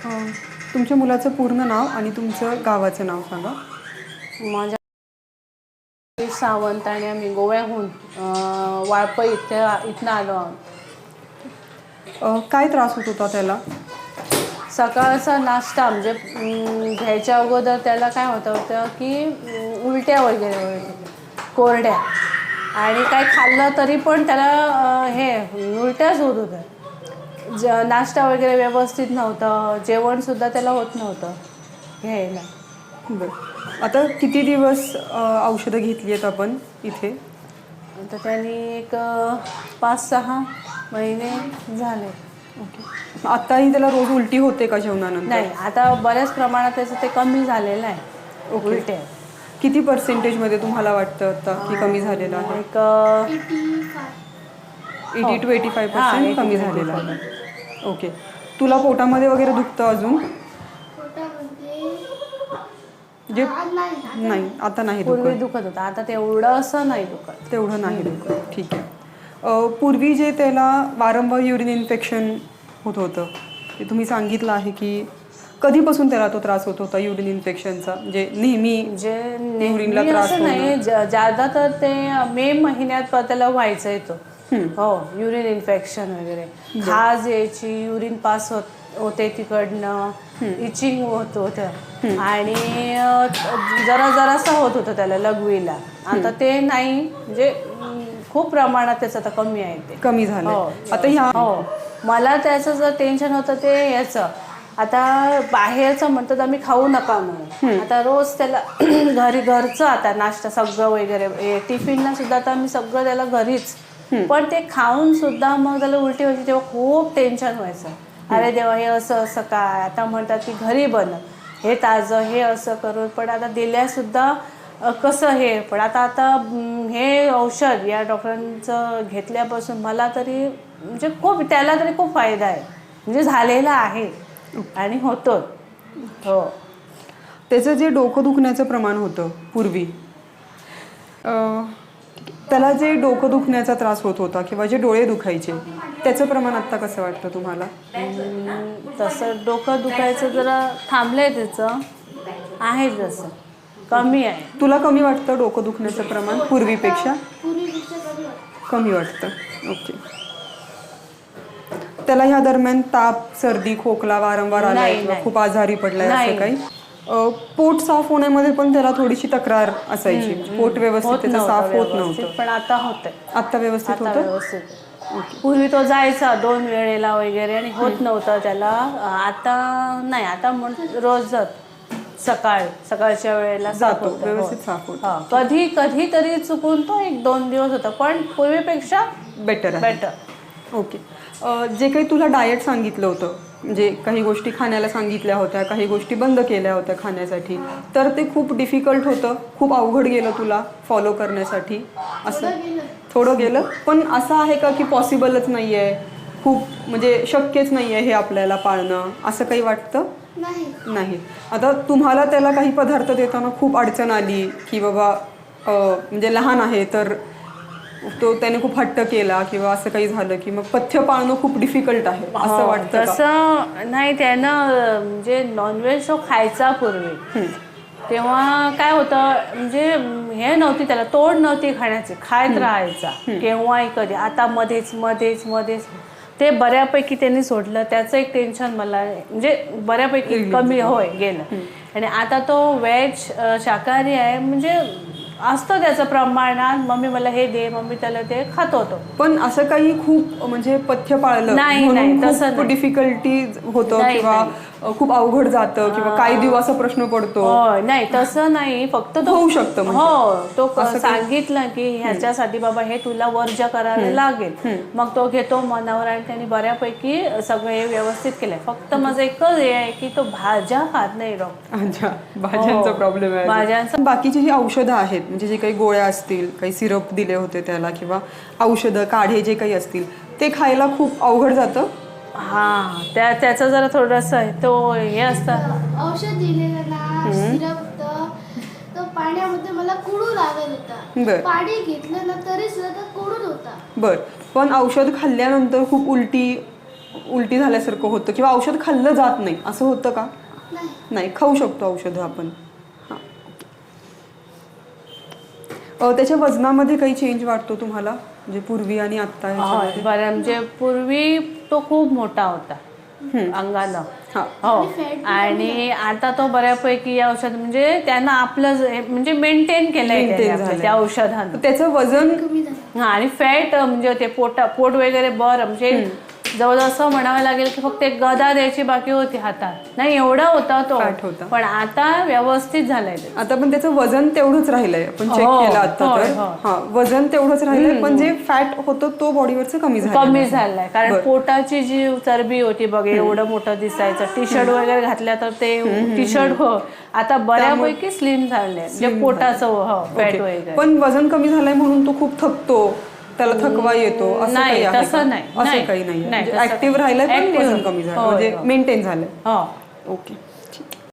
तुमच्या मुलाचं पूर्ण नाव आणि तुमचं गावाचं नाव सांगा. माझ्या सावंत आणि आम्ही गोव्याहून वाळपई इथनं आलो आहोत. काय त्रास होत होता त्याला? सकाळचा नाश्ता म्हणजे घ्यायच्या अगोदर त्याला काय होतं की उलट्या वगैरे कोरड्या, आणि काय खाल्लं तरी पण त्याला हे उलट्याच होत होत्या. नाश्ता वगैरे व्यवस्थित नव्हतं, जेवणसुद्धा त्याला होत नव्हतं घ्यायला. बरं, आता किती दिवस औषधं घेतली आहेत आपण इथे? तर त्यांनी एक 5-6 महिने झाले. ओके. आताही त्याला रोज उलटी होते का जेवणानंतर? नाही, आता बऱ्याच प्रमाणात त्याचं ते कमी झालेलं आहे. उलटे किती पर्सेंटेजमध्ये तुम्हाला वाटतं आता की कमी झालेलं आहे? एक 80 to 85% कमी झालेलं आहे. ओके. तुला पोटामध्ये वगैरे दुखतं अजून? जे नाही, आता नाही पूर्वी दुखत. दुखत होतं, आता तेवढं असं नाही दुखत. तेवढं नाही दुखत. ठीक आहे. पूर्वी जे त्याला वारंवार युरिन इन्फेक्शन होत होतं ते तुम्ही सांगितलं आहे की कधीपासून त्याला तो त्रास होत होता युरिन इन्फेक्शनचा? म्हणजे नेहमी युरिनला त्रास नाही, ज्यादा तर ते मे महिन्यात त्याला व्हायचं येतो. हो, युरिन इन्फेक्शन वगैरे, खाज यायची, युरिन पास होते तिकडनं, इचिंग होत होतं, आणि जरासं होत होतं त्याला लघवीला. आता ते नाही, म्हणजे खूप प्रमाणात त्याचं आता कमी आहे. ते कमी झालं आता. हो, मला त्याचं जर टेन्शन होतं ते याचं, आता बाहेरचं म्हणतात आम्ही खाऊ नका म्हणून. आता रोज त्याला घरचं आता नाश्ता सगळं वगैरे, टिफिनला सुद्धा आता आम्ही सगळं त्याला घरीच, पण ते खाऊन सुद्धा मग त्याला उलटी व्हायची, तेव्हा खूप टेन्शन व्हायचं. अरे देवा, हे असं काय. आता म्हणतात की घरी बनव, हे ताजं, हे असं करून. पण आता दिल्यासुद्धा कसं हे, पण आता हे औषध या डॉक्टरांचं घेतल्यापासून मला तरी म्हणजे त्याला तरी खूप फायदा आहे, म्हणजे झालेला आहे आणि होतो. हो, त्याचं जे डोकं दुखण्याचं प्रमाण होतं पूर्वी, त्याला जे डोकं दुखण्याचा त्रास होत होता किंवा जे डोळे दुखायचे, त्याचं प्रमाण आत्ता कसं वाटतं तुम्हाला? तसं डोकं दुखायचं जरा थांबलंय, त्याचं आहे जसं कमी आहे. तुला कमी वाटतं डोकं दुखण्याचं प्रमाण पूर्वीपेक्षा? कमी वाटतं. ओके. त्याला ह्या दरम्यान ताप, सर्दी, खोकला वारंवार आलाय किंवा खूप आजारी पडलाय असं काही? पोट साफ होण्यामध्ये पण त्याला थोडीशी तक्रार असायची, पोट व्यवस्थित त्याचं साफ होत नव्हतं, पण आता होतंय. आता व्यवस्थित होतं. पूर्वी तो जायचा 2 वेळेला वगैरे आणि होत नव्हतं त्याला. आता नाही, आता रोज सकाळच्या वेळेला जातो, व्यवस्थित साफ होतं. कधी तरी चुकून तो 1-2 दिवस होता, पण पूर्वीपेक्षा बेटर. ओके. जे काही तुला डाएट सांगितलं होतं, म्हणजे काही गोष्टी खाण्याला सांगितल्या होत्या, काही गोष्टी बंद केल्या होत्या खाण्यासाठी, तर ते खूप डिफिकल्ट होतं, खूप अवघड गेलं तुला फॉलो करण्यासाठी? असं थोडं गेलं, पण असं आहे का की पॉसिबलच नाही आहे, खूप म्हणजे शक्यच नाही आहे हे आपल्याला पाळणं, असं काही वाटतं? नाही. आता तुम्हाला त्याला काही पदार्थ देताना खूप अडचण आली की बाबा म्हणजे लहान आहे तर त्याने खूप हट्ट केला किंवा असं काही झालं की मग पथ्य पाळणं खूप डिफिकल्ट आहे असं वाटतं? तसं नाही, त्यानं म्हणजे नॉनव्हेज तो खायचा पूर्वी, तेव्हा काय होतं म्हणजे हे नव्हती, त्याला तोड नव्हती खाण्याची, खायत राहायचा केव्हाही कधी. आता मध्येच ते बऱ्यापैकी त्यांनी सोडलं. त्याचं एक टेन्शन मला म्हणजे बऱ्यापैकी कमी गेलं. आणि आता तो व्हेज शाकाहारी आहे, म्हणजे असतं त्याचं प्रमाणात. मम्मी मला हे दे, मम्मी त्याला ते खात होतो. पण असं काही खूप म्हणजे पथ्य पाळलं नाही, तसं खूप डिफिकल्टी होतं किंवा खूप अवघड जातं किंवा काही दिवसाचा प्रश्न पडतो? नाही, तसं नाही. फक्त तो होऊ शकतं. तो सांगितलं की ह्याच्यासाठी बाबा हे तुला वर्ज करायला लागेल, मग तो घेतो मनावर आणि त्यांनी बऱ्यापैकी सगळं हे व्यवस्थित केलंय. फक्त माझं एकच हे आहे की तो भाज्या खात नाही डॉक्टर. अच्छा, भाज्यांचा प्रॉब्लेम आहे. भाज्यांचा. बाकीची जी औषधं आहेत, म्हणजे जे काही गोळ्या असतील, काही सिरप दिले होते त्याला किंवा औषधं काढे जे काही असतील, ते खायला खूप अवघड जातं? त्याचं जरा थोडंसं तो हे असतं. औषध दिलेलं ना, सिरप तर पाण्यामध्ये मला कुडू लागत होता. पाणी घेतलं ना तरी सुद्धा कुडून होता. पण औषध खाल्ल्यानंतर खूप उलटी उलटी झाल्यासारखं होतं किंवा औषध खाल्लं जात नाही असं होतं का? नाही. नाही, खाऊ शकतो औषधं आपण. हां. त्याच्या वजनामध्ये काही चेंज वाटतो तुम्हाला, म्हणजे पूर्वी आणि आत्ता ह्याच्यामध्ये? बरं, म्हणजे पूर्वी तो खूप मोठा होता अंगानं. हां. हो, आणि आता तो बऱ्यापैकी या औषध म्हणजे त्यांना आपलं म्हणजे मेंटेन केलंय Maintain त्यांनी आपलं त्या औषधानं. त्याचं वजन कमी झालं. आणि फॅट म्हणजे ते पोट वगैरे बरं म्हणजे जवळजवळ असं म्हणावं लागेल की फक्त एक गदा द्यायची बाकी होती हातात, नाही एवढा होता तो. फॅट होता. पण आता व्यवस्थित झालंय ते. आता पण त्याचं वजन तेवढंच राहिलंय, आपण चेक हो, केलं आता होय, तर. होय. हा, वजन तेवढंच राहिलंय, पण जे फॅट होतं तो बॉडीवरचं कमी कमी झालाय. कारण बरं. पोटाची जी चरबी होती बघ, एवढं मोठं दिसायचं, टी शर्ट वगैरे घातल्या तर ते टी शर्ट आता बऱ्यापैकी स्लिम झालंय, म्हणजे पोटाचं फॅट वगैरे. पण वजन कमी झालंय म्हणून तो खूप थकतो, त्याला थकवा येतो असं नाही, काही आहे तसं का? नाही. असं नाही, काही नाही, नाही, तसं ऍक्टिव्ह राहिलंय पण Active. वजन कमी झालं, होय, म्हणजे होय. मेंटेन झालंय. हो. ओके.